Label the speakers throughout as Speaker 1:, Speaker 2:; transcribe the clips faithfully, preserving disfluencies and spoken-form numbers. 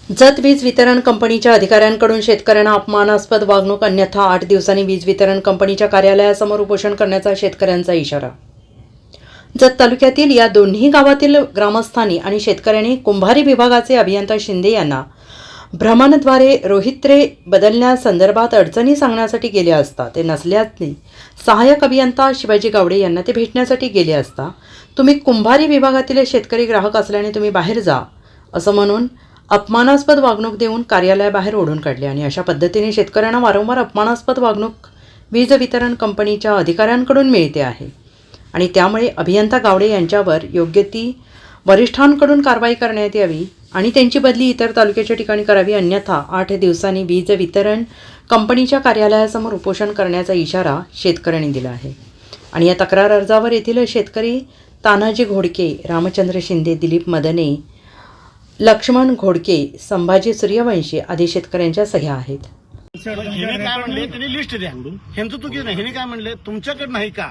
Speaker 1: जत वीज वितरण कंपनीच्या अधिकाऱ्यांकडून शेतकऱ्यांना अपमानास्पद वागणूक, अन्यथा आठ दिवसांनी वीज वितरण कंपनीच्या कार्यालयासमोर उपोषण करण्याचा शेतकऱ्यांचा इशारा। जत तालुक्यातील या दोन्ही गावातील ग्रामस्थांनी आणि शेतकऱ्यांनी कुंभारी विभागाचे अभियंता शिंदे यांना भ्रमणद्वारे रोहित्रे बदलण्यासंदर्भात अडचणी सांगण्यासाठी गेले असता ते नसल्याने सहाय्यक अभियंता शिवाजी गावडे यांना ते भेटण्यासाठी गेले असता तुम्ही कुंभारी विभागातील शेतकरी ग्राहक असल्याने तुम्ही बाहेर जा असं म्हणून अपमानास्पद वागणूक देऊन कार्यालयाबाहेर ओढून काढले आणि अशा पद्धतीने शेतकऱ्यांना वारंवार अपमानास्पद वागणूक वीज वितरण कंपनीच्या अधिकाऱ्यांकडून मिळते आहे आणि त्यामुळे अभियंता गावडे यांच्यावर योग्य ती वरिष्ठांकडून कारवाई करण्यात यावी आणि त्यांची बदली इतर तालुक्याच्या ठिकाणी करावी, अन्यथा आठ दिवसांनी वीज वितरण कंपनीच्या कार्यालयासमोर उपोषण करण्याचा इशारा शेतकऱ्यांनी दिला आहे। आणि या तक्रार अर्जावर येथील शेतकरी तानाजी घोडके, रामचंद्र शिंदे, दिलीप मदने, लक्ष्मण घोडके, संभाजी सूर्यवंशी आदी शेतकऱ्यांच्या सह्या आहेत।
Speaker 2: हिने काय म्हणले त्यांनी लिस्ट द्या, ह्यांचं चुकी नाही। हिने काय म्हणले तुमच्याकडे नाही का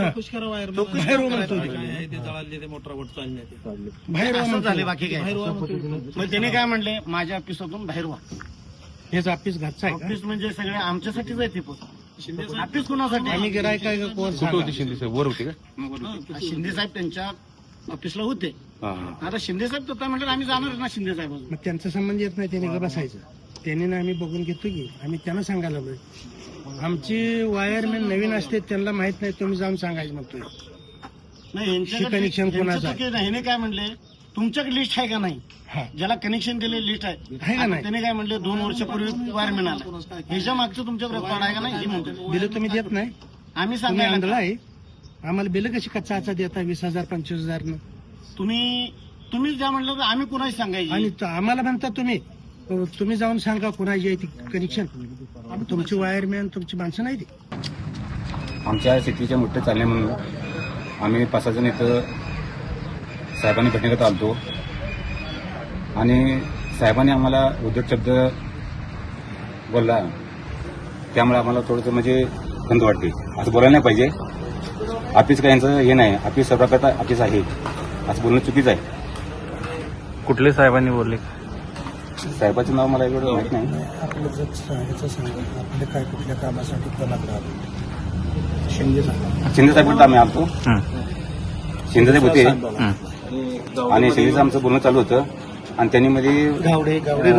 Speaker 2: बाहेर असं झाले, बाकी काय। मग त्याने काय म्हणले माझ्या ऑफिसातून बाहेर व्हा।
Speaker 3: हेच ऑफिस घरचं आहे,
Speaker 2: ऑफिस म्हणजे सगळे आमच्यासाठीच आहे ते पण ऑफिस कोणासाठी
Speaker 3: आम्ही गिरायक काय कोण
Speaker 4: शिंदे साहेब वर होते का?
Speaker 2: शिंदे साहेब त्यांच्या ऑफिसला होते। आता शिंदे साहेब तर म्हणले आम्ही जाणार ना शिंदे साहेब।
Speaker 3: मग त्यांचा संबंध येत नाही, त्यांनी बसायचं। त्यांनी ना आम्ही बघून घेतो की आम्ही त्यांना सांगायला लागलोय। आमची वायरमॅन नवीन असते, त्यांना माहित नाही, तुम्ही जाऊन सांगायचं म्हणतोय।
Speaker 2: नाही कनेक्शन कोणाचं? हिने काय म्हणले तुमच्याकडे लिस्ट आहे का नाही, ज्याला कनेक्शन दिले लिस्ट आहे का नाही? त्याने काय म्हणले दोन वर्षापूर्वी वायरमॅन आला, ह्याच्या मागचं तुमच्याकडे रेकॉर्ड आहे का नाही हे म्हणतो।
Speaker 3: बिल तुम्ही देत नाही,
Speaker 2: आम्ही
Speaker 3: सांगायला
Speaker 2: सांगायला
Speaker 3: आहे आम्हाला बिल कशी कच्चा आचा देता वीस हजार पंचवीस हजार न
Speaker 2: तुम्ही तुम्ही ज्या म्हणलं तर आम्ही कुणाही सांगायची
Speaker 3: आणि आम्हाला म्हणता तुम्ही तुम्ही जाऊन सांगा कुणाची आहे ती कनेक्शन। तुमची वायरमॅन तुमची माणसं नाही ती।
Speaker 4: आमच्या शेतीच्या मोठे चालले म्हणून आम्ही पाच सहा जण इथं साहेबांनी भेटण्यात आलतो आणि साहेबांनी आम्हाला उद्धट शब्द बोलला, त्यामुळे आम्हाला थोडंसं म्हणजे खंत वाटते। असं बोलायला नाही पाहिजे, ऑफिस काय यांचं हे नाही, ऑफिस सर्वकर्ता ऑफिस आहे असं बोलणं चुकीचं आहे।
Speaker 5: कुठले साहेबांनी बोलले?
Speaker 4: साहेबाचं नाव मला एवढं माहित नाही।
Speaker 3: आपलं जर सांगायचं सांगा आपल्या काय कुठल्या कामासाठी कोणाला राहतो शिंदे साहेब
Speaker 4: शिंदे साहेब आम्ही आलतो, शिंदे साहेब होते आणि शिंदे आमचं बोलणं चालू होतं आणि त्यांनी मध्ये
Speaker 3: गावडे गावडे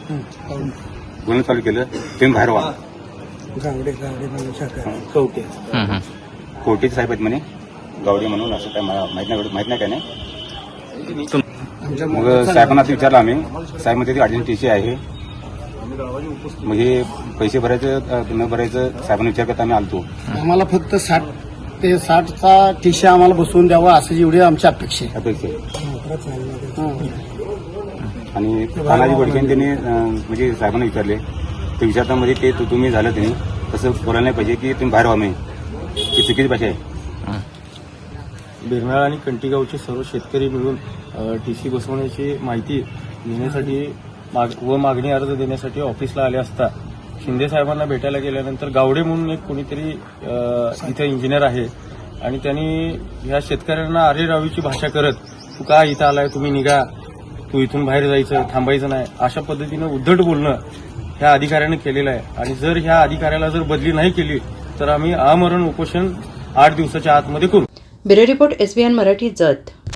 Speaker 4: बोलणं चालू केलं, तुम्ही बाहेर व्हा।
Speaker 3: गावडे गावडे म्हणून कवटे
Speaker 4: कोर्टीचे साहेब आहेत म्हणे, गावडे म्हणून, असं काय मला माहित नाही, माहित नाही काय नाही। मग साहेबांना विचारलं आम्ही, साहेब मध्ये अडचण टीसी आहे, मग हे पैसे भरायचं न भरायचं साहेबांना विचार करता आम्ही आलतो।
Speaker 2: आम्हाला फक्त साठ ते साठचा टीसी आम्हाला बसवून द्यावा असं एवढी आमची अपेक्षा आहे
Speaker 4: अपेक्षा आणि तानाजी घोडके त्यांनी म्हणजे साहेबांना विचारले, ते विचारता मध्ये ते तुम्ही झालं त्यांनी तसं बोलायला नाही पाहिजे की तुम्ही बाहेर व्हा, मी ही चुकीची भाषा आहे।
Speaker 6: बिरनाळ आणि कंटीगावचे सर्व शेतकरी मिळून टीसी बसवण्याची माहिती घेण्यासाठी व मागणी अर्ज देण्यासाठी ऑफिसला आले असता शिंदे साहेबांना भेटायला गेल्यानंतर गावडे म्हणून एक कोणीतरी इथे इंजिनियर आहे आणि त्यांनी ह्या शेतकऱ्यांना आरेरावीची भाषा करत, तू का इथं आलाय, तुम्ही निघा, तू इथून बाहेर जायचं, थांबायचं नाही, अशा पद्धतीनं उद्धट बोलणं ह्या अधिकाऱ्याने केलेलं आहे। आणि जर ह्या अधिकाऱ्याला जर बदली नाही केली तर आम्ही आमरण उपोषण आठ दिवसाच्या आतमध्ये करू।
Speaker 1: Bureau report SBN Marathi, Jat.